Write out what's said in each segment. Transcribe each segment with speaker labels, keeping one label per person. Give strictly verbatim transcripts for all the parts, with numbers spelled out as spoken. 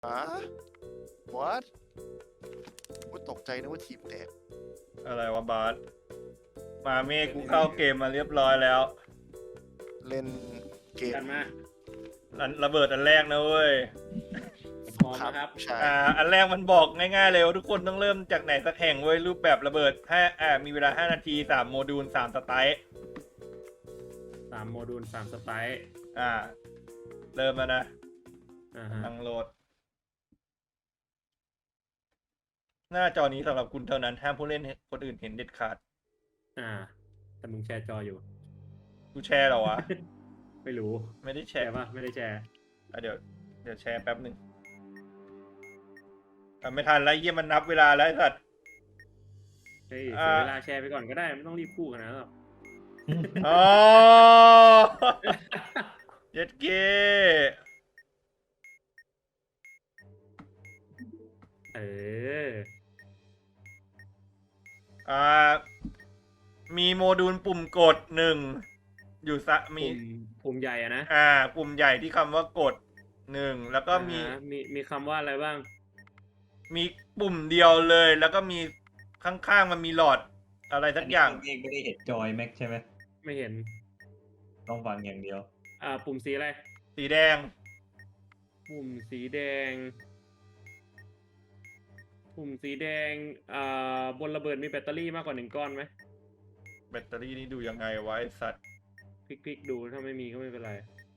Speaker 1: ฮะ what กูตกใจนึกว่าทีมแตก
Speaker 2: อะไรวะบาสมาเมฆกูเข้าเกมมาเรียบร้อยแล้ว
Speaker 1: เล่นเกม
Speaker 3: กันมา
Speaker 2: อันระเบิดอันแรกนะเว้ย
Speaker 3: พร้อมนะครับ
Speaker 1: ใช่
Speaker 2: อ่า อันแรกมันบอกง่ายๆเลยว่าทุกคนต้องเริ่มจากไหนสักแห่งเว้ยรูปแบบระเบิดห้าอ่ามีเวลาห้านาทีสามโมดูลสามสไตล์
Speaker 3: สามโมดูลสามสไตล์
Speaker 2: อ่า เริ่มแล้วนะ
Speaker 3: อ่าฮะ
Speaker 2: ตั้งโหลด หน้าจอนี้สำหรับคุณเท่านั้นห้ามผู้เล่นคนอื่นเห็นเด็ดขาด
Speaker 3: อ่า แต่มึงแชร์จออยู่
Speaker 2: กูแชร์เหรอวะ
Speaker 3: ไม่รู้
Speaker 2: ไม่ได้แช
Speaker 3: แช
Speaker 2: ร์
Speaker 3: ร์ป่ะ ไม่ได้แชร์
Speaker 2: อ่ะเดี๋ยวเดี๋ยวแชร์แป๊บหนึ่งอ่ะไม่ทันแล้วเยี่ยมันนับเวลาแล้วไอ้สัตว์
Speaker 3: เฮ้ย
Speaker 2: อ่า
Speaker 3: เสียเวลาแชร์ไปก่อนก็ได้ ไม่ต้องรีบพูดขนาดนั้นหรอก
Speaker 2: อ๋อ เย็ดเก้
Speaker 3: เออ
Speaker 2: อ่า มีโมดูลปุ่มกดหนึ่งอยู่ซะมี
Speaker 3: ปุ่มปุ่มใหญ่อะนะ
Speaker 2: อ่า ปุ่มใหญ่ที่คำว่ากดหนึ่งแล้วก็มี
Speaker 3: อ่าฮะมีมีคำว่าอะไรบ้าง
Speaker 2: มีปุ่มเดียวเลย แล้วก็มีข้างๆมันมีหลอดอะไรสักอย่าง
Speaker 4: เองไม่ได้เห็นจอยแม็กใช่ไหม
Speaker 3: ไม่เห็น
Speaker 4: ต้องฟังอย่างเดียว
Speaker 3: อ่า ปุ่มสีอะไร
Speaker 2: สีแดง
Speaker 3: ปุ่มสีแดง ปุ่มสีแดง อ่า บนระเบิดมีแบตเตอรี่มากกว่าหนึ่งก้อนไหม
Speaker 2: แบตเตอรี่นี่ดูยังไงวะไอ้สัตว์
Speaker 3: พลิกๆดู ถ้าไม่มีก็ไม่เป็นไร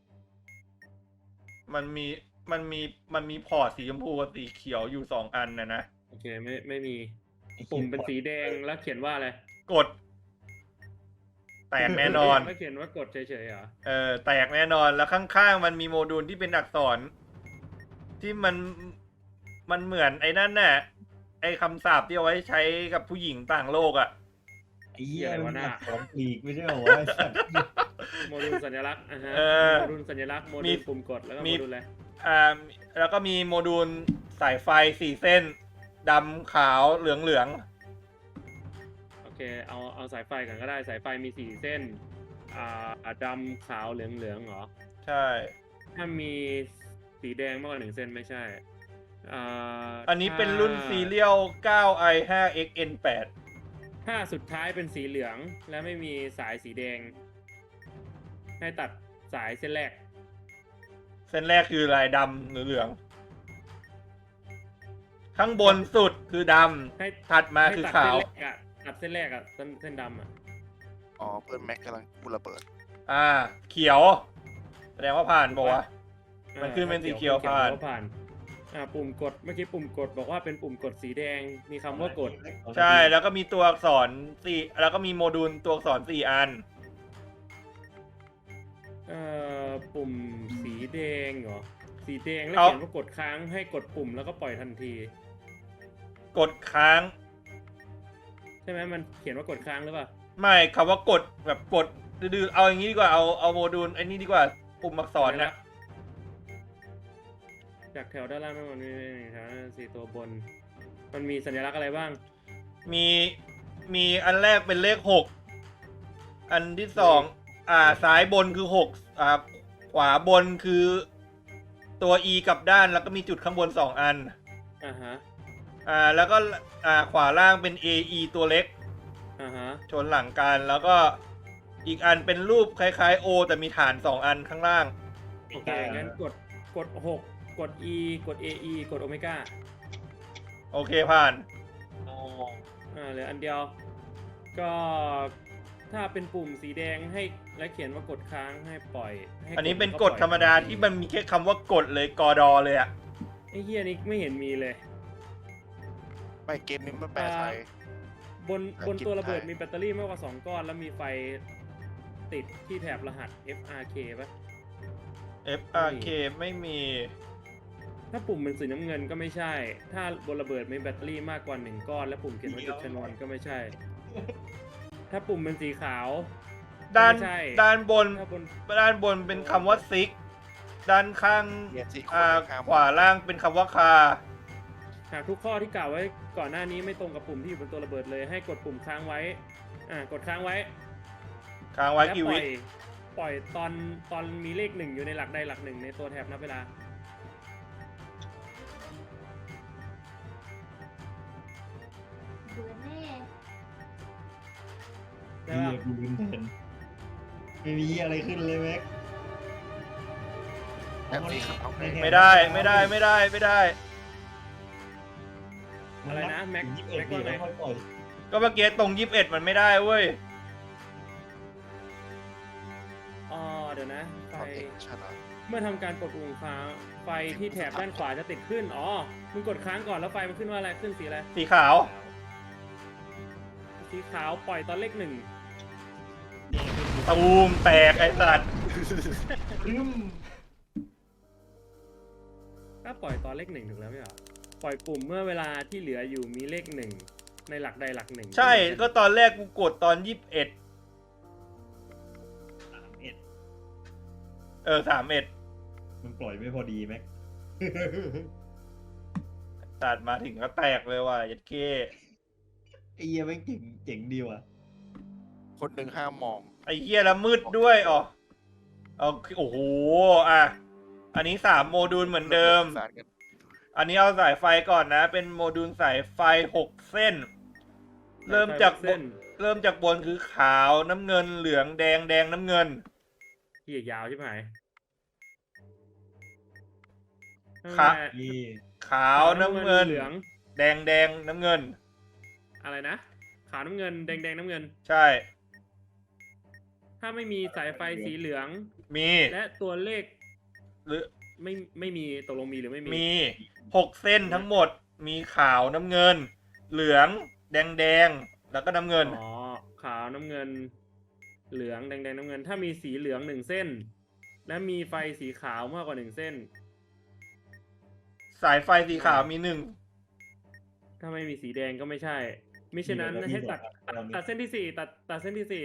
Speaker 2: มันมีมันมีมันมีพอร์ตสีชมพูกับสีเขียวอยู่สองอันนะนะ
Speaker 3: โอเค ไม่ ไม่มี ปุ่มเป็นสีแดงแล้วเขียนว่าอะไร
Speaker 2: กด แตกแน่นอน
Speaker 3: แล้วเขียนว่ากดเฉยๆเหรอ
Speaker 2: เออแตกแน่นอนแล้วข้างๆมันมีโมดูลที่เป็นอักษร ที่มันมันเหมือนไอ้นั่นน่ะไอ้คำสาปที่เอาไว้ใช้กับผู้หญิงต่างโลกอ่ะ
Speaker 4: ไอ้เหี้ย
Speaker 3: เหี้ยอะไร
Speaker 4: มั
Speaker 3: วะ
Speaker 4: น
Speaker 3: น่ะ
Speaker 4: ของปลีกไม่ใช่เหรอวะไอ้สัตว์
Speaker 3: โมดูลสัญลักษณ์อ่ะฮะ
Speaker 2: เออ
Speaker 3: โมดูลสัญลักษณ์โม
Speaker 2: มี
Speaker 3: ดูลปุ่มกดแล้วก็
Speaker 2: มี
Speaker 3: โมดูลอะไร
Speaker 2: อ่าแล้วก็มีโมดูลสายไฟสี่เส้นดำขาวเหลืองเหลือง
Speaker 3: โอเคเอาเอาสายไฟกันก็ได้สายไฟมีสี่เส้นอ่าดำขาวเหลืองเหลืองเหรอ
Speaker 2: ใช่
Speaker 3: ถ้ามีสีแดงมากกว่าหนึ่งเส้นไม่ใช่อ่า
Speaker 2: อันนี้เป็นรุ่น
Speaker 3: ถ้า
Speaker 2: ซีเรียล ไนน์ ไอ ไฟว์ เอ็กซ์ เอ็น แปด
Speaker 3: ถ้าสุดท้ายเป็นสีเหลืองและไม่มีสายสีแดง ให้ตัดสายเส้นแรก
Speaker 2: เส้นแรกคือลายดำหรือเหลือง ข้างบนสุดคือด
Speaker 3: ให้
Speaker 2: ำถัดมา
Speaker 3: ให้
Speaker 2: คือ
Speaker 3: ตัด
Speaker 2: ขาว
Speaker 3: เส้นแรกอะตัดเส้นแรกอะเส้นเส้นดำอะ
Speaker 1: อ๋อเพื่อนแม็กกำลังกูระเบิด
Speaker 2: อ่า เขียว แสดงว่าผ่านบอกว่า มันขึ้นเป็นสีเขียวผ่าน
Speaker 3: ขีผ่านอ่าปุ่มกดเมื่อกี้ปุ่มกดบอกว่าเป็นปุ่มกดสีแดงมีคำว่ากด
Speaker 2: ใช่แล้วก็มีตัวอักษรสี่แล้วก็มีโมดูลตัวอักษรสี่อัน
Speaker 3: เอ่อปุ่มสีแดงเหรอสีแดงแล้ว
Speaker 2: เอา
Speaker 3: เขียนว่ากดค้างให้กดปุ่มแล้วก็ปล่อยทันที
Speaker 2: กดค้าง
Speaker 3: ใช่ไหมมันเขียนว่ากดค้างหรือเปล่า
Speaker 2: ไม่คำว่ากดแบบกดดื้อๆเอาอย่างนี้ดีกว่าเอาเอาโมดูลไอ้นี่ดีกว่าปุ่มอักษรนะ
Speaker 3: จากแถวด้านล่างมันมีแถวสี่ตัวบน มันมีสัญลักษณ์อะไรบ้าง
Speaker 2: มีมีอันแรกเป็นเลขหกอันที่สองอ่าซ้ายบนคือหกอ่าขวาบนคือตัว E กลับด้านแล้วก็มีจุดข้างบนสองอัน
Speaker 3: อ่าฮะ
Speaker 2: อ่าแล้วก็อ่าขวาล่างเป็น เอ อี ตัวเล็ก
Speaker 3: อ่าฮะ
Speaker 2: ชนหลังกันแล้วก็อีกอันเป็นรูปคล้ายๆ O แต่มีฐานสองอันข้างล่าง
Speaker 3: โอเคงั้นกดกดหกกด E กด เอ อี กดโอเมก้า
Speaker 2: โอเคผ่าน
Speaker 3: อ่าเหลืออันเดียว ก็ถ้าเป็นปุ่มสีแดงให้และเขียนว่ากดค้างให้ปล่อยให้
Speaker 2: อันนี้เป็น
Speaker 3: แล้ว
Speaker 2: กฎ
Speaker 3: ปล่อย
Speaker 2: ธรรมดาที่มันมีแค่คำว่ากดเลยกอดอเลยอะ
Speaker 3: ไอ้เฮียนี่ไม่เห็นมีเลย
Speaker 1: ไม่เกมนี้มันแปลไทย
Speaker 3: บน
Speaker 1: อ่า
Speaker 3: บนตัวระเบิด
Speaker 1: กินไทย
Speaker 3: มีแบตเตอรี่มากกว่าสองก้อน แล้วมีไฟติดที่แถบรหัส เอฟ อาร์ เค ป่ะ
Speaker 2: เอฟ อาร์ เค ไม่มี
Speaker 3: ถ้าปุ่มเป็นสีน้ำเงินก็ไม่ใช่ ถ้าบนระเบิดมีแบตเตอรี่มากกว่าหนึ่งก้อน และปุ่มเขียนว่าจุดชนวนก็ไม่ใช่ ถ้าปุ่มเป็นสีขาว
Speaker 2: ด้าน
Speaker 3: ไม่ใช่
Speaker 2: ด้านบน
Speaker 3: ถ้าบน
Speaker 2: ด้านบนเป็นคำว่าซิกด้านข้าง
Speaker 1: เนี่ยที่
Speaker 2: อ่า
Speaker 1: คนข้าม
Speaker 2: ขวาล่างเป็นคำว่าคา
Speaker 3: หากทุกข้อที่กล่าวไว้ก่อนหน้านี้ไม่ตรงกับปุ่มที่อยู่บนตัวระเบิดเลย ให้กดปุ่มค้างไว้ อ่ากดค้างไว้
Speaker 2: ค้างไว้
Speaker 3: แล้ว
Speaker 2: กี่
Speaker 3: ปล่
Speaker 2: วิ
Speaker 3: อยปล่อยตอนตอนมีเลขหนึ่งอยู่ในหลักใดหลักหนึ่งในตัวแถบนับเวลา
Speaker 5: เบื่อแน่
Speaker 3: ใช่
Speaker 4: เฮี
Speaker 3: ปะ
Speaker 4: ยกูลืมแทนไม่มีอะไรขึ้นเลยแม็ก
Speaker 1: แอบสีขาวไง
Speaker 2: ไม่ได้ไม่ได้ไม่ได้ไม่ได้
Speaker 3: อะไรนะแม็ก
Speaker 4: ยี่สิบเอ็ด
Speaker 3: แม็ก
Speaker 4: ปี
Speaker 3: ว่าไง
Speaker 4: แล้วค่อยปล่อย
Speaker 2: ก็เมื่อกี้ตรงยี่สิบเอ็ดมันไม่ได้เว้ย
Speaker 3: อ๋อเดี๋ยวนะไฟ
Speaker 1: ความเอกชนะ
Speaker 3: เมื่อทำการกดปุ่มค้างไฟที่แถบด้านขวาจะติดขึ้นอ๋อมึงกดค้างก่อนแล้วไฟมันขึ้นว่าอะไรขึ้นสีอะไร
Speaker 2: สีขาว
Speaker 3: สีขาวปล่อยตอนเลขหนึ่ง
Speaker 2: ตูมแตกไอ้สัตว์
Speaker 4: รึม
Speaker 3: ก็ปล่อยตอนเลขหนึ่งถูกแล้วไม่เหรอปล่อยปุ่มเมื่อเวลาที่เหลืออยู่มีเลขหนึ่งในหลักใดหลักหนึ่ง
Speaker 2: ใช่ก็ตอนแรกกูกดตอนยี่สิบเอ็ด
Speaker 4: สามเอ็ด
Speaker 2: เออสามเอ็ด
Speaker 4: มันปล่อยไม่พอดีแม็ก
Speaker 2: ตัดมาถึงก็แตกเลยว่ะยัดเค
Speaker 4: ไอ้เหี้ยแม่งเจ๋งเจ๋งดีว่ะ
Speaker 1: คนหนึ่งห้ามมอง
Speaker 2: ไอ้เหี้ยแล้วมืดด้วยอ๋อเอาโอ้โหอ่ะอันนี้สามโมดูลเหมือนเดิม
Speaker 1: สารกัน
Speaker 2: อันนี้เอาสายไฟก่อนนะ เป็นโมดูลสายไฟหกเส้น เริ่มจากบ
Speaker 3: เส้น
Speaker 2: นเริ่มจากบนคือขาวน้ำเงินเหลืองแดงแดงน้ำเงิน
Speaker 3: เหี้ยยาวใช่ไหม
Speaker 2: ครับ
Speaker 4: นี่
Speaker 2: ขาวน้ำเงิน
Speaker 3: เหลือง
Speaker 2: แดงแดงน้ำเงิน
Speaker 3: อะไรนะขาวน้ำเงินแดงแดงน้ำเงิน
Speaker 2: ใช่
Speaker 3: ถ้าไม่มีสายไฟสีเหลือง
Speaker 2: มี
Speaker 3: และตัวเลข
Speaker 2: หรือ
Speaker 3: ไม่ไม่มีตกลงมีหรือไม่มี
Speaker 2: มีหกเส้นทั้งหมด มีขาวน้ำเงิน เหลืองแดงแดงแล้วก็น้ำเงิน
Speaker 3: อ๋อขาวน้ำเงิน เหลืองแดงแดงน้ำเงิน ถ้ามีสีเหลืองหนึ่งเส้น และมีไฟสีขาวมากกว่าหนึ่งเส้น
Speaker 2: สายไฟสีขาวมีหนึ่ง
Speaker 3: ถ้าไม่มีสีแดงก็ไม่ใช่มิฉะนั้นให้ตัดตัดตัดเส้นที่สี่ตัดตัดเส้นที่สี่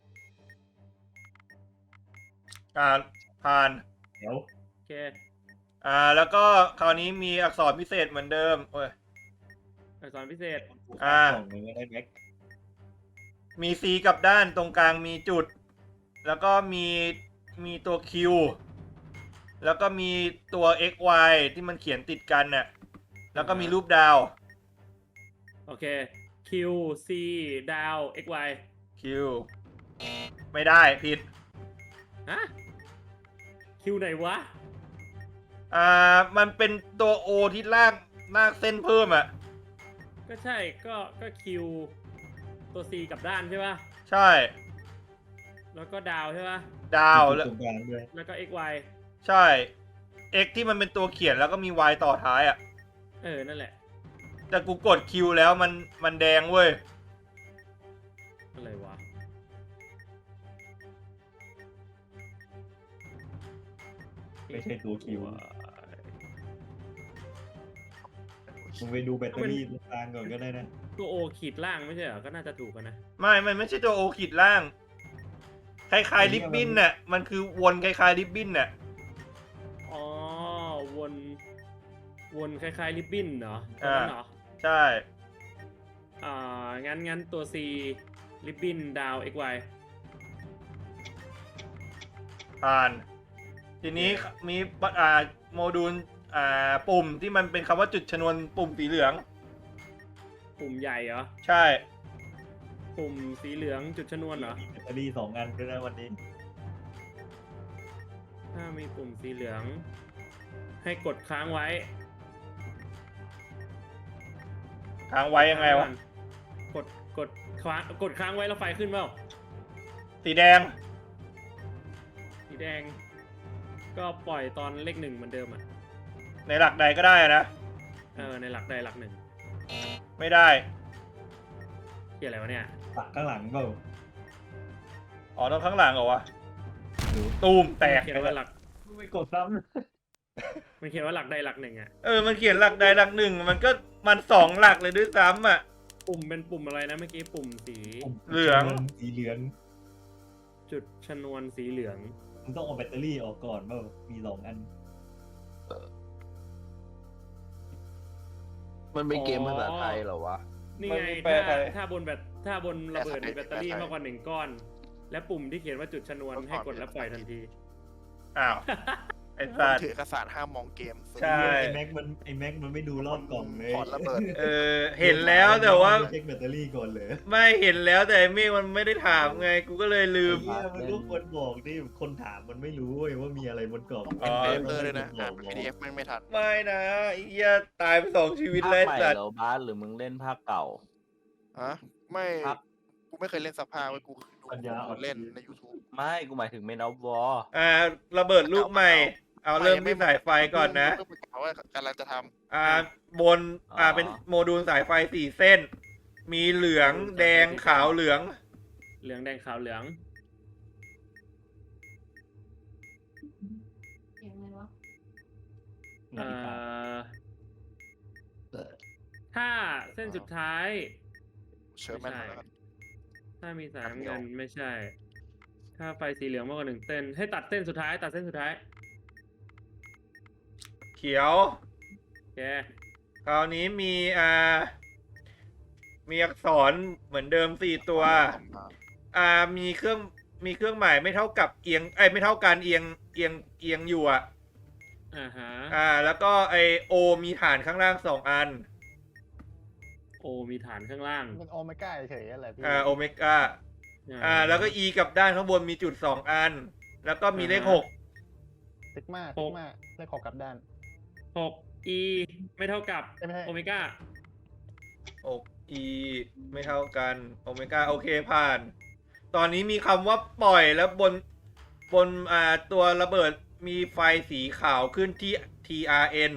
Speaker 2: อ่าผ่าน
Speaker 4: เดี๋ยว
Speaker 3: โอเค
Speaker 2: อ่าแล้วก็คราวนี้มีอักษรพิเศษเหมือนเดิมโอ้ย
Speaker 3: อักษรพิเศษ
Speaker 2: อ่า
Speaker 4: กล่องหนึ่งก็ได้แม็ก
Speaker 2: มี C กับด้านตรงกลางมีจุด แล้วก็มีมีตัว Q แล้วก็มีตัว X Y ที่มันเขียนติดกันน่ะแล้วก็มีรูปดาว
Speaker 3: โอเค Q C ดาว X Y
Speaker 2: Q ไม่ได้ผิด
Speaker 3: ฮะ Q ไหนวะ
Speaker 2: อ่ามันเป็นตัว O ที่ลากลากเส้นเพิ่มอ่ะ
Speaker 3: ก็ใช่ก็ก็ Q ตัว C กับด้านใช่ป่ะ
Speaker 2: ใช่
Speaker 3: แล้วก็ดาวใช่ป่ะ
Speaker 2: ดาว
Speaker 4: แล้
Speaker 2: แล้ว ว
Speaker 4: ตรงกลางด้วย
Speaker 3: แล้วก็ X Y
Speaker 2: ใช่ X ที่มันเป็นตัวเขียนแล้วก็มี Y ต่อท้ายอ่ะ
Speaker 3: เออ นั่นแหละ
Speaker 2: แต่กูกด Q แล้วมันมันแดงเว้ย
Speaker 3: อะไรวะ
Speaker 4: ไม่ใช่ตัวคิวมึงไปดูแบตเตอรี่ตรงกลางก่อนก็ได้นะ
Speaker 3: ตัว O ขีดล่างไม่ใช่เหรอ ก็น่าจะถูกกันนะ
Speaker 2: ไม่มันไม่ใช่ตัว O ขีดล่าง คล้ายๆริบบิ้นน่ะ มันคือวนคล้ายๆริบบิ้นน่ะ
Speaker 3: อ๋อ วน วนคล้ายๆริบบิ้นเหรอตรงนั้นเหรอ
Speaker 2: ใช่
Speaker 3: อ่า งั้นงั้นตัว C ริบบิ้นดาว X Y
Speaker 2: ผ่าน ทีนี้มีอ่าโมดูลอ่าปุ่มที่มันเป็นคำว่าจุดชนวนปุ่มสีเหลือง
Speaker 3: ปุ่มใหญ่เหรอ
Speaker 2: ใช่
Speaker 3: ปุ่มสีเหลืองจุดชนวนเหรอ
Speaker 4: มีแบตเตอรี่สองอันด้วยนะวันนี้
Speaker 3: ถ้ามีปุ่มสีเหลือง ให้กดค้างไว้
Speaker 2: ค้างไว้ยังไงวะ
Speaker 3: กดกดค้างกดค้างไว้แล้วไฟขึ้นเปล่า
Speaker 2: สีแดง
Speaker 3: สีแดง ก็ปล่อยตอนเลขหนึ่งเหมือนเดิมอ่ะ
Speaker 2: ในหลักใดก็ได้นะ
Speaker 3: เออในหลักใดหลักหนึ่ง
Speaker 2: ไม่ได้
Speaker 3: เกี่ยอะไรวะเนี่ย
Speaker 4: ปักข้างหลังเปล่า
Speaker 2: อ๋อต้องข้างหลังเหรอวะ
Speaker 4: หรือ
Speaker 2: ตูมแตก
Speaker 3: เขียนว่าหลัก
Speaker 4: ไม่กดซ้
Speaker 3: มันเขียนว่าหลักใดหลักหนึ่งอ่ะ
Speaker 2: เออ มันเขียนหลักใดหลักหนึ่ง มันก็มันสองหลักเลยด้วยซ้ำอ่ะ
Speaker 3: ปุ่มเป็นปุ่มอะไรนะเมื่อกี้ปุ่มสี
Speaker 4: ำ
Speaker 2: เหลือง
Speaker 4: สีเหลือง
Speaker 3: จุดชนวนสีเหลือง
Speaker 4: มึงต้องเอาแบตเตอรี่ออกก่อนเปล่ามีสองอัน
Speaker 1: มันเป็นเกมภาษาไทยเหรอวะ
Speaker 3: นี่
Speaker 2: มัน
Speaker 3: ไง
Speaker 2: มีแปล
Speaker 3: ถ้า
Speaker 2: ไทย
Speaker 3: ถ้าบนแบตถ้าบนระเบิด
Speaker 1: แปลไทย
Speaker 3: มีแบตเตอรี่
Speaker 1: แปลไทย
Speaker 3: มากกว่าหนึ่งก้อน และปุ่มที่เขียนว่าจุดชนวนให้กดแล้วปล่อยทันที
Speaker 2: อ้าวไอ้
Speaker 1: ค
Speaker 2: สั
Speaker 1: น
Speaker 2: ตว์
Speaker 1: ถือเอกสารห้ามมองเกม
Speaker 2: ใช่
Speaker 4: ไอ้แม็กมันไอ้แม็กมันไม่ดูรอบกล่องเลย
Speaker 1: ถอดระเบิด
Speaker 2: เออเห็นแล้วแต่ว่า
Speaker 4: เช็คแบตเตอรี่ก่อนเลย
Speaker 2: ไม่เห็นแล้วแต่ไอ้เมฆมันไม่ได้ถามไงกูก็เลยลืม
Speaker 4: เฮียมันก็ควรบอกดิคนถามมันไม่รู้เว้ยว่ามีอะไรบนกล่อง
Speaker 2: อ๋อ
Speaker 1: เอฟเลยนะอ่าน พี ดี เอฟ แม่งไม่ทัน
Speaker 2: ไม่นะไอ้เหี้ยตายไปสองชีวิต
Speaker 5: ภาค
Speaker 2: แล้ว
Speaker 5: ใหม่
Speaker 2: ไอ้สัต
Speaker 5: เห
Speaker 2: ว์
Speaker 5: รอบาสหรือมึงเล่นภาคเก่า
Speaker 1: ฮะไม่
Speaker 5: ครับ
Speaker 1: กูไม่เคยเล่นสภาไว้กูดูคนเล่นใน YouTube
Speaker 5: ไม่กูหมายถึงเมนอฟวอร์
Speaker 2: อ่าระเบิดลูกใหม่ เอาเริ่มที่สายไฟก่อนนะ
Speaker 1: เพิ่งประกาศว่ากำลังจะท
Speaker 2: อ่าบนอ่าเป็นโมดูลสายไฟสี่เส้น มีเหลืองแดงขาวเหลือง
Speaker 3: เหลืองแดงขาวเหลือง
Speaker 6: เสียงอะไรวะ
Speaker 3: เอ่อ ถ้าเส้นสุดท้าย
Speaker 1: ำเชิญแม่นแล้วกัน
Speaker 3: ถ้ามีสายน้ำเงินไม่ใช่ ถ้าไฟสีเหลืองมากกว่าหนึ่งเส้น ให้ตัดเส้นสุดท้าย ตัดเส้นสุดท้าย
Speaker 2: เขียว
Speaker 3: โอเค
Speaker 2: คราวนี้มีอ่า มีอักษรเหมือนเดิมสี่ตัว อ่ามีเครื่องมีเครื่องหมายไม่เท่ากับเอียงไอยไม่เท่ากันเอียงเอียงเอียงอยู่อ่ะ
Speaker 3: อ่าฮะ
Speaker 2: อ่า แล้วก็ไอโอมีฐานข้างล่างสองอัน
Speaker 3: โอมีฐานข้างล่าง
Speaker 7: เป็นโอเมก้าเฉยๆอะไรพี่
Speaker 2: อ่าโอเมก้าอ่า แล้วก็อีกับด้านข้างบนมีจุดสองอัน แล้วก็มีเลขหก
Speaker 7: ซิกมาซิกมาเลขหกกลับด้าน
Speaker 3: หก E ไม่เท่ากับ
Speaker 7: เอ้ยไม่ใช่
Speaker 3: โอเมก้า
Speaker 2: หก e ไม่เท่ากันโอเมก้าโอเคผ่าน ตอนนี้มีคำว่าปล่อยแล้วบนบนอ่าตัวระเบิดมีไฟสีขาวขึ้นที่ ที อาร์ เอ็น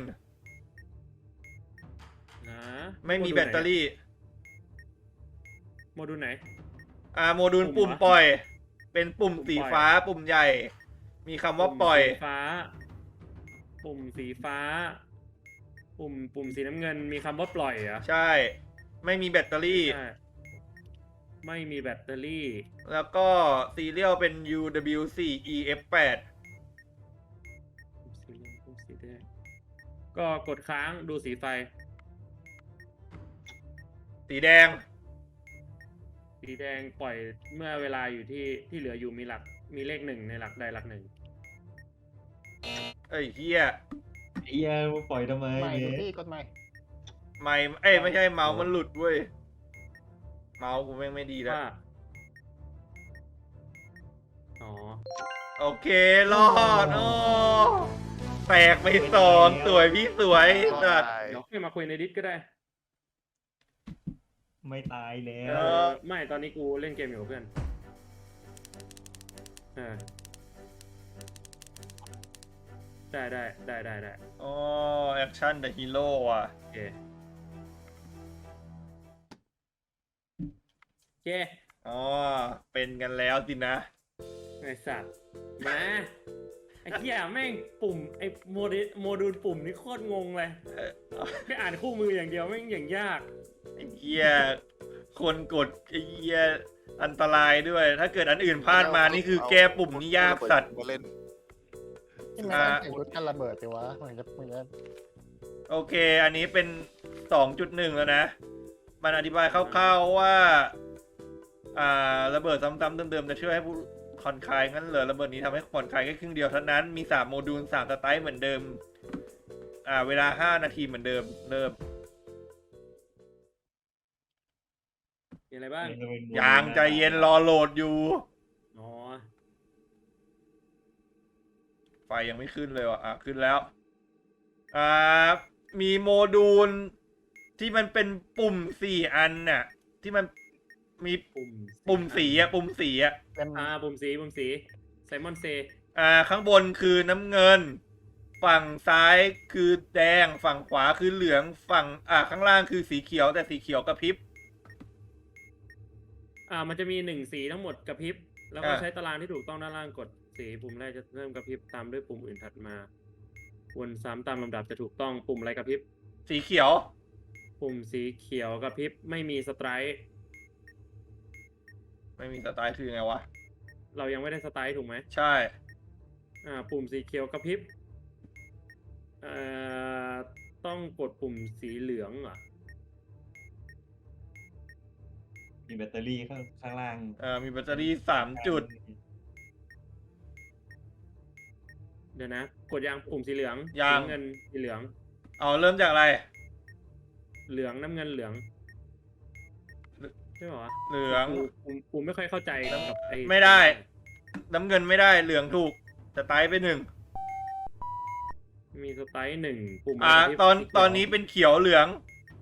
Speaker 3: นะ
Speaker 2: ไม่มีแบตเตอรี่
Speaker 3: โมดูลไหน
Speaker 2: อ่าโมดูล
Speaker 3: ปุ่
Speaker 2: ปุ่
Speaker 3: ม
Speaker 2: ม
Speaker 3: เหรอ
Speaker 2: ปล่อย เป็นปุ่ม
Speaker 3: ปุ่ม
Speaker 2: สี
Speaker 3: ปล่อย
Speaker 2: ฟ้าปุ่มใหญ่ มีคำว่าปล่อย
Speaker 3: ปุ่มสีฟ้า ปุ่มสีฟ้า ปุ่มปุ่มสีน้ำเงินมีคำว่าปล่อยเหรอ
Speaker 2: ใช่ ไม่มีแบตเตอรี่
Speaker 3: ใช่ไม่มีแบตเตอรี่
Speaker 2: แล้วก็ซีเรียลเป็น ยู ดับเบิลยู โฟร์ อี เอฟ แปด
Speaker 3: สีเหลืองปุ่มสีแดงก็กดค้างดูสีไฟ
Speaker 2: สีแดง
Speaker 3: สีแดงปล่อยเมื่อเวลาอยู่ที่ที่เหลืออยู่มีหลักมีเลขหนึ่งในหลักใดหลักหนึ่ง
Speaker 2: เอ้ยเฮีย
Speaker 4: เฮียมาปล่อยทำไม
Speaker 7: ใหม่
Speaker 4: เนี่
Speaker 7: ดู
Speaker 4: ย
Speaker 7: พี่กดใหม่
Speaker 2: ไม่เอ้ยไม่ใช่เมาส์มันหลุดเว้ย เมาส์กูแม่งไม่ดีแล้ว
Speaker 3: ว่าอ๋อ
Speaker 2: โอเค รอดโอ้แตกไปสองสวยพี่สวยสัตว์
Speaker 3: เดี๋ยวค่อยมาคุยในดิสก็ได้
Speaker 4: ไม่ตายแล้
Speaker 2: เอ
Speaker 4: ว
Speaker 2: อ
Speaker 3: ไม่ตอนนี้กูเล่นเกมอยู่กับเพื่อนเออได้ได้ได้ได้ได้
Speaker 2: อ๋อแอคชั่นเดอะฮีโร่อ่ะ
Speaker 3: โอเคโอเค
Speaker 2: อ๋อ เป็นกันแล้วสินะ
Speaker 3: ไอสัตว์มาไอ้เหี้ยแม่งปุ่มไอ้โมเดลโมดูลปุ่มนี่โคตรงงเลย
Speaker 2: เออ
Speaker 3: แค่อ่านคู่มืออย่างเดียวแม่งอย่างยาก
Speaker 2: ไอ้เหี้ยคนกดไอ้เหี้ยอันตรายด้วย ถ้าเกิดอันอื่นพลาดมานี่คือแก้ปุ่มนี่ยากสัตว์
Speaker 1: มาเล่น
Speaker 7: ที่มัน
Speaker 2: อ่า
Speaker 7: ใส่ชุดกันระเบิดสิวะเหมือนจะเหมือนจะ
Speaker 2: โอเค อันนี้เป็น สองจุดหนึ่ง แล้วนะ มันอธิบายคร่าวๆว่า อ่า ระเบิดซ้ำๆเดิมๆจะช่วยให้ผู้ผ่อนคลายงั้นเหรอระเบิดนี้ทำให้ผ่อนคลายแค่ครึ่งเดียวเท่านั้น มีสามโมดูลสามสไตล์เหมือนเดิม อ่า เวลาห้านาทีเหมือนเดิม เริ่ม
Speaker 3: มีอะไรบ้าง
Speaker 2: ยางใจเย็นรอโหลดอยู่
Speaker 3: อ๋อ
Speaker 2: ไฟยังไม่ขึ้นเลยว่ะ อ่ะ ขึ้นแล้ว อ่า มีโมดูลที่มันเป็นปุ่มสี่อันน่ะ ที่มันมี
Speaker 3: ปุ่ม
Speaker 2: ปุ่มสีอะปุ่มสีอะ
Speaker 7: เต็ม
Speaker 3: อ่าปุ่มสีปุ่มสีไซมอนเซ
Speaker 2: อ่า ข้างบนคือน้ำเงิน ฝั่งซ้ายคือแดง ฝั่งขวาคือเหลือง ฝั่ง อ่า ข้างล่างคือสีเขียว แต่สีเขียวกระพริบ
Speaker 3: อ่ามันจะมีหนึ่งสีทั้งหมดกระพริบ แล้วก็
Speaker 2: อ่า
Speaker 3: ใช้ตารางที่ถูกต้องด้านล่างกดสีปุ่มแรกจะเริ่มกระพริบตามด้วยปุ่มอื่นถัดมาวนซ้ำตามลำดับจะถูกต้องปุ่มอะไรกระพริบ
Speaker 2: สีเขียว
Speaker 3: ปุ่มสีเขียวกระพริบไม่มีสไตร์
Speaker 2: ไม่มีสไตล์คือไงวะ
Speaker 3: เรายังไม่ได้สไตร์ถูกไหม
Speaker 2: ใช่
Speaker 3: อ่าปุ่มสีเขียวกระพริบเอ่อต้องกดปุ่มสีเหลืองเหรอ่ะ
Speaker 4: มีแบตเตอรี่ข้างข้างล่าง
Speaker 2: เอ่อ มีแบตเตอรี่สามจุด
Speaker 3: เดี๋ยวนะกดยางปุ่มสีเหลือง
Speaker 2: ยัง
Speaker 3: สีน้ำเงินสีเหลือง
Speaker 2: เอาเริ่มจากอะไร
Speaker 3: เหลืองน้ำเงินเหลืองใช่เหรอวะ
Speaker 2: เหลือง
Speaker 3: กูกูกูไม่ค่อยเข้าใจกับไอ้
Speaker 2: ไม่ได้ น้ำเงินไม่ได้เหลืองถูกสไตล์ไปหนึ่ง
Speaker 3: มีสไตล์หนึ่งปุ่ม
Speaker 2: อ่า
Speaker 3: ะไรที่
Speaker 2: ตอน
Speaker 3: สีเขียว
Speaker 2: ตอนนี้เป็นเขียวเหลือง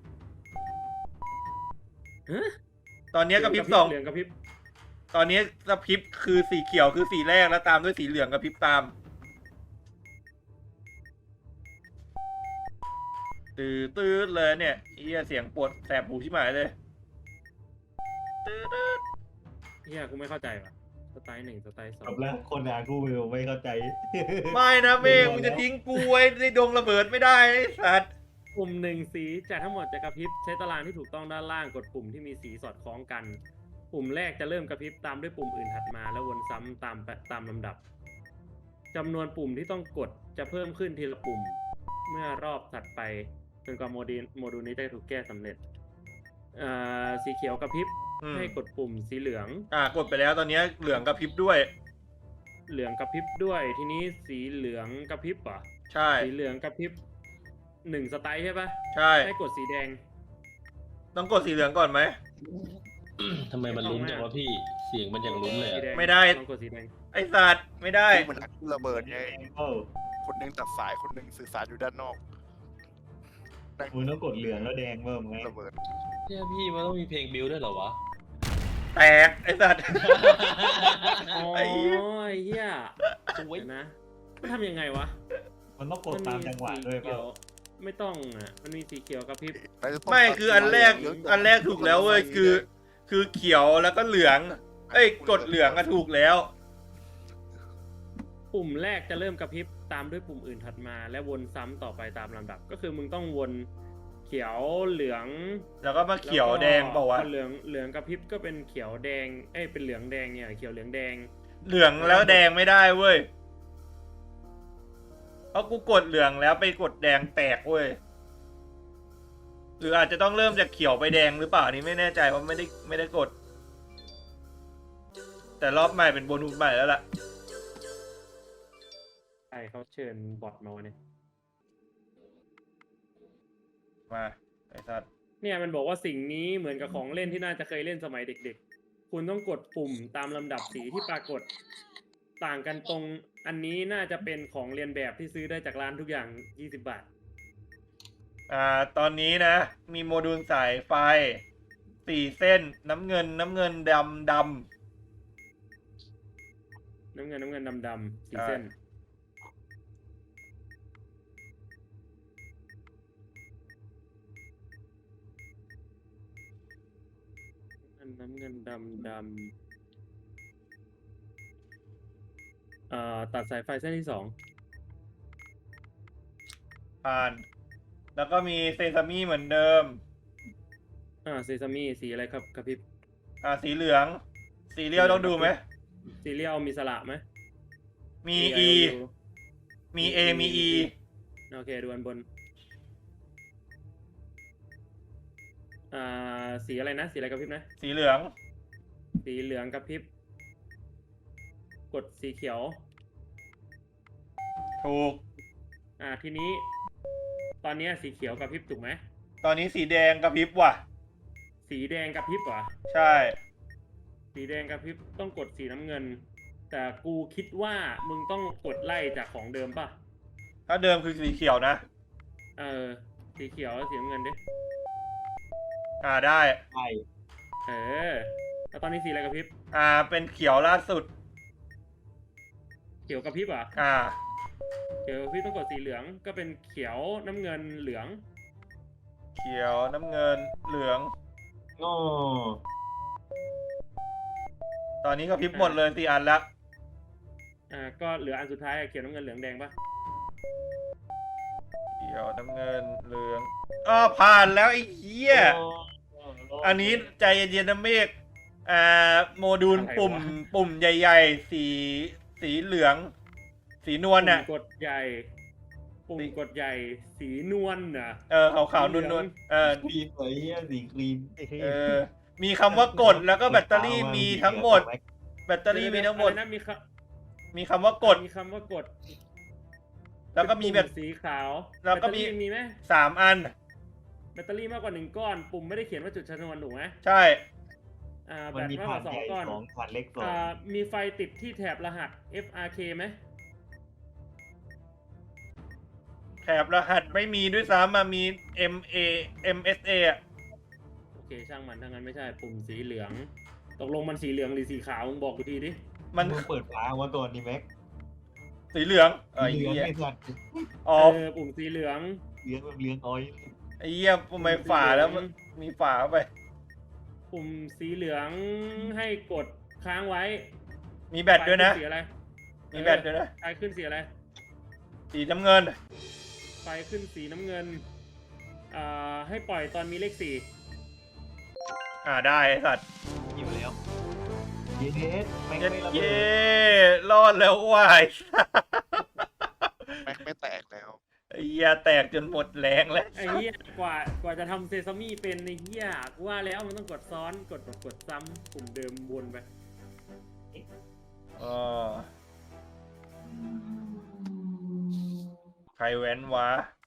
Speaker 3: ฮะ
Speaker 2: ตอนนี้กระพริบสอง
Speaker 3: เหลืองกระพริบ
Speaker 2: ตอนนี้กระพริบคือสีเขียวคือสีแรกแล้วตามด้วยสีเหลืองกระพริบตามตื้อตื้อเลยเนี่ยเฮียเสียงปวดแสบหูชิบหายเลยตื้อตื้อ
Speaker 3: เฮียกูไม่เข้าใจว่ะสไตล์หนึ่งสไตล์สอ
Speaker 4: จ
Speaker 3: ง
Speaker 4: บแล้วคนอ่านกูไม่ไม่เข้าใจ
Speaker 2: ไม่นะเมฆมึงจะทิ้งกูไว้ในดงระเบิดไม่ได้ไอ้สัตว์
Speaker 3: ปุ่มหนึ่งสีจากทั้งหมดจะกระพริบใช้ตารางที่ถูกต้องด้านล่างกดปุ่มที่มีสีสอดคล้องกัน ปุ่มแรกจะเริ่มกระพริบตามด้วยปุ่มอื่นถัดมาแล้ววนซ้ำตามตามลำดับจำนวนปุ่มที่ต้องกดจะเพิ่มขึ้นทีละปุ่ม เมื่อรอบถัดไปจนกว่าโมดูลโมดูลนี้จะถูกแก้สำเร็จอ่าสีเขียวกระพริบ
Speaker 2: อืม
Speaker 3: ให้กดปุ่มสีเหลือง
Speaker 2: อ่ากดไปแล้วตอนนี้เหลืองกระพริบด้วย
Speaker 3: เหลืองกระพริบด้วยทีนี้สีเหลืองกระพริบเหรอ
Speaker 2: ใช่
Speaker 3: สีเหลืองกระพริบหนึ่งสไตล์ใช่ปะ
Speaker 2: ใช่
Speaker 3: ให้กดสีแดง
Speaker 2: ต้องกดสีเหลืองก่อนไหม
Speaker 6: ทำไมมันลุ้นจังวะพี่ เสียงมันอย่างลุ้นเลย
Speaker 3: สี
Speaker 6: อะ
Speaker 3: แดง
Speaker 2: ไม่ได้
Speaker 3: ลองกดสีแดง
Speaker 2: ไอสัตว์ไม่ได้
Speaker 1: มันระเบิดไง
Speaker 4: โอ้
Speaker 1: คนหนึงตัดสายคนหนึงสื่อสารอยู่ด้านนอก
Speaker 4: มึงต้องกดเหลืองแล้วแดงเพิ่มไง
Speaker 1: ระเบิด
Speaker 6: เนี่ยพี่มันต้องมีเพลงบิวด้วยเหรอวะ
Speaker 2: แตกไอสัตว์
Speaker 3: อ๋อ
Speaker 2: ไอ้เหี้ย
Speaker 3: ไอ้เหี้ย
Speaker 6: สวย
Speaker 3: เดี๋ยวนะมันทำยังไงวะ
Speaker 4: มันต้องกดตามจังหวะด้วย
Speaker 3: สี
Speaker 4: เป
Speaker 3: เขี
Speaker 4: ล่า
Speaker 3: ยวไม่ต้องอ่ะมันมีสีเขียวกระพริบ
Speaker 2: ไม่คืออันแรกอันแรกถูกแล้วเว้ยคือ คือเขียวแล้วก็เหลือง เอ้ยกดเหลืองก็ถูกแล้ว
Speaker 3: ปุ่มแรกจะเริ่มกระพริบตามด้วยปุ่มอื่นถัดมา และวนซ้ำต่อไปตามลำดับ ก็คือมึงต้องวนเขียวเหลือง
Speaker 2: แล้วก็มาเขียวแดงเปล่าวะ
Speaker 3: เหลืองเหลืองกระพริบก็เป็นเขียวแดงเอ้ยเป็นเหลืองแดงเนี่ยเขียวเหลืองแดง
Speaker 2: เหลืองแล้วแดงไม่ได้เว้ยเพราะกูกดเหลืองแล้วไปกดแดงแตกเว้ยหรืออาจจะต้องเริ่มจากเขียวไปแดงหรือเปล่าอันนี้ไม่แน่ใจเพราะไม่ได้ไม่ได้กด แต่รอบใหม่เป็นโบนัสใหม่แล้วล่ะ
Speaker 3: ใช่เขาเชิญบอทมาวันนี้
Speaker 2: มาไอ้สัตว์
Speaker 3: เนี่ยมันบอกว่าสิ่งนี้เหมือนกับของเล่นที่น่าจะเคยเล่นสมัยเด็กๆ คุณต้องกดปุ่มตามลำดับสีที่ปรากฏ ต่างกันตรงอันนี้น่าจะเป็นของเรียนแบบที่ซื้อได้จากร้านทุกอย่างยี่สิบบาท
Speaker 2: อ่าตอนนี้นะ มีโมดูลสายไฟสี่เส้นน้ำเงินน้ำเงินดำด
Speaker 3: น้ำเงินน้ำเงินดำดำๆสี
Speaker 2: ใช่
Speaker 3: เส้น น้ำเงินดำดำเอ่อตัดสายไฟเส้นที่สอง
Speaker 2: ำผ่าน แล้วก็มีเซซามิเหมือนเดิม
Speaker 3: อ่าเซซามิสีอะไรครับกระพริบ
Speaker 2: อ่าสีเหลือง สีเรียวต้องดูไหม
Speaker 3: ซีเรียลมีสระไหม
Speaker 2: มี
Speaker 3: มี
Speaker 2: E
Speaker 3: ดู
Speaker 2: มี A มี E
Speaker 3: โอเคดูอันบน อ่าสีอะไรนะ สีอะไรกระพริบนะ
Speaker 2: สีเหลือง
Speaker 3: สีเหลืองกระพริบ กดสีเขียว
Speaker 2: ถูก
Speaker 3: อ่าทีนี้ ตอนเนี้ยสีเขียวกระพริบถูกไหม
Speaker 2: ตอนนี้สีแดงกระพริบว่ะ
Speaker 3: สีแดงกระพริบเหรอ
Speaker 2: ใช่
Speaker 3: สีแดงกระพริบต้องกดสีน้ำเงิน แต่กูคิดว่ามึงต้องกดไล่จากของเดิมป่ะ
Speaker 2: ถ้าเดิมคือสีเขียวนะ
Speaker 3: เออ สีเขียวแล้วสีน้ำเงินดิ
Speaker 2: อ่าได้
Speaker 4: ใช่
Speaker 3: เออ แล้วตอนนี้สีอะไรกระพริบ
Speaker 2: อ่าเป็นเขียวล่าสุด
Speaker 3: เขียวกระพริบเหรอ่ะ
Speaker 2: อ่า
Speaker 3: เขียวกระพริบต้องกดสีเหลือง ก็เป็นเขียวน้ำเงินเหลือง
Speaker 2: เขียวน้ำเงินเหลือง
Speaker 4: โอ้
Speaker 2: ตอนนี้กระพริบหมดเลยสี่อันละ
Speaker 3: อ่า ก็เหลืออันสุดท้ายอะเขียวน้ำเงินเหลืองแดงป่ะ
Speaker 2: เขียวน้ำเงินเหลืองอ้อผ่านแล้วไอ้เหี้ย อันนี้ใจเย็นๆนะเมฆอ่าโมดูล
Speaker 3: อะไรวะ
Speaker 2: ปุ่มปุ่มใหญ่ๆ สีสีเหลือง สีนวล
Speaker 3: ปุ่
Speaker 2: น่ะ
Speaker 3: มกดใหญ่ ปุ่มกดใหญ่ สีนวลน่ะ
Speaker 2: เออขาวๆ
Speaker 3: สี
Speaker 2: น
Speaker 3: เหลื
Speaker 2: ว
Speaker 3: อง
Speaker 2: ลๆเออ
Speaker 4: ครีมเลยเฮียสีครีม
Speaker 7: อีกที
Speaker 2: เออ มีคำว่ากดแล้วก็แบตเตอรี่มีทั้งหมด แบตเตอรี่มีทั้งหมด
Speaker 3: อะไรนะมีค
Speaker 2: มีคำว่ากด
Speaker 3: มีคำว่ากด
Speaker 2: แล้วก็มีแบ
Speaker 3: เป็น
Speaker 2: บ
Speaker 3: ปุ่สีขาว
Speaker 2: แล้วก็มี
Speaker 3: บตเตอรี่มีไหม
Speaker 2: สามอัน
Speaker 3: แบตเตอรี่มากกว่าหนึ่งก้อน ปุ่มไม่ได้เขียนว่าจุดชนวนถูกไหม
Speaker 2: ใช่
Speaker 3: อ่าแบ
Speaker 4: มัน
Speaker 3: ต
Speaker 4: มี
Speaker 3: มากก
Speaker 4: ผ่าน
Speaker 3: ว่าสอ
Speaker 4: ให
Speaker 3: ง
Speaker 4: ญ่
Speaker 3: ก้อน
Speaker 4: สองผ่านเล็กสอง
Speaker 3: อ่ามีไฟติดที่แถบรหัส เอฟ อาร์ เค ไหม
Speaker 2: แถบรหัสไม่มีด้วยซ้ำมามี เอ็ม เอ เอ็ม เอส เอ อะ
Speaker 3: โอเคช่างมันถ้างั้นไม่ใช่ปุ่มสีเหลือง ตกลงมันสีเหลืองหรือสีขาวมึงบอกกูทีดิ
Speaker 2: มัน
Speaker 4: มึงเปิดฟ้าว่าตัวนี้แม็ก
Speaker 2: สีเหลืองเออไอ้
Speaker 4: เหลือง
Speaker 2: เหี้ย
Speaker 4: ไอ้สัตว์
Speaker 2: อ๋อ
Speaker 3: เออปุ่มสีเหลือง
Speaker 4: เหลืองแบบเหลืองอ้อย
Speaker 2: ไอ้เหี้ยทำไมฝาแล้วมันมีฝาเข้าไป
Speaker 3: ปุ่มสีเหลืองให้กดค้างไว้
Speaker 2: มีแบตด้วยนะ
Speaker 3: ไฟขึ้สีอะไร
Speaker 2: มีแบตด้วยนะ
Speaker 3: ไฟขึ้นสีอะไร
Speaker 2: สีน้ำเงิน
Speaker 3: ไฟขึ้นสีน้ำเงินอ่าให้ปล่อยตอนมีเลขสี่
Speaker 2: อ่าได้ไอ้สัตว์
Speaker 4: อยู่แล้วเยสแม็ก
Speaker 2: เย้
Speaker 4: ไม่ระเบิ
Speaker 2: เย้
Speaker 4: ด
Speaker 2: รอดแล้วว่าย
Speaker 1: แม็กไม่แตกแล้ว
Speaker 2: ไอ้เหี้ยแตกจนหมดแรงแล้ว
Speaker 3: ไอ้เหี้ยกว่ากว่าจะทำเซซามี่เป็นในเหี้ยกูว่าแล้วมันต้องกดซ้อนกดกดกดซ้ำปุ่มเดิมวนไป
Speaker 2: อ๋อใครแว้นวะ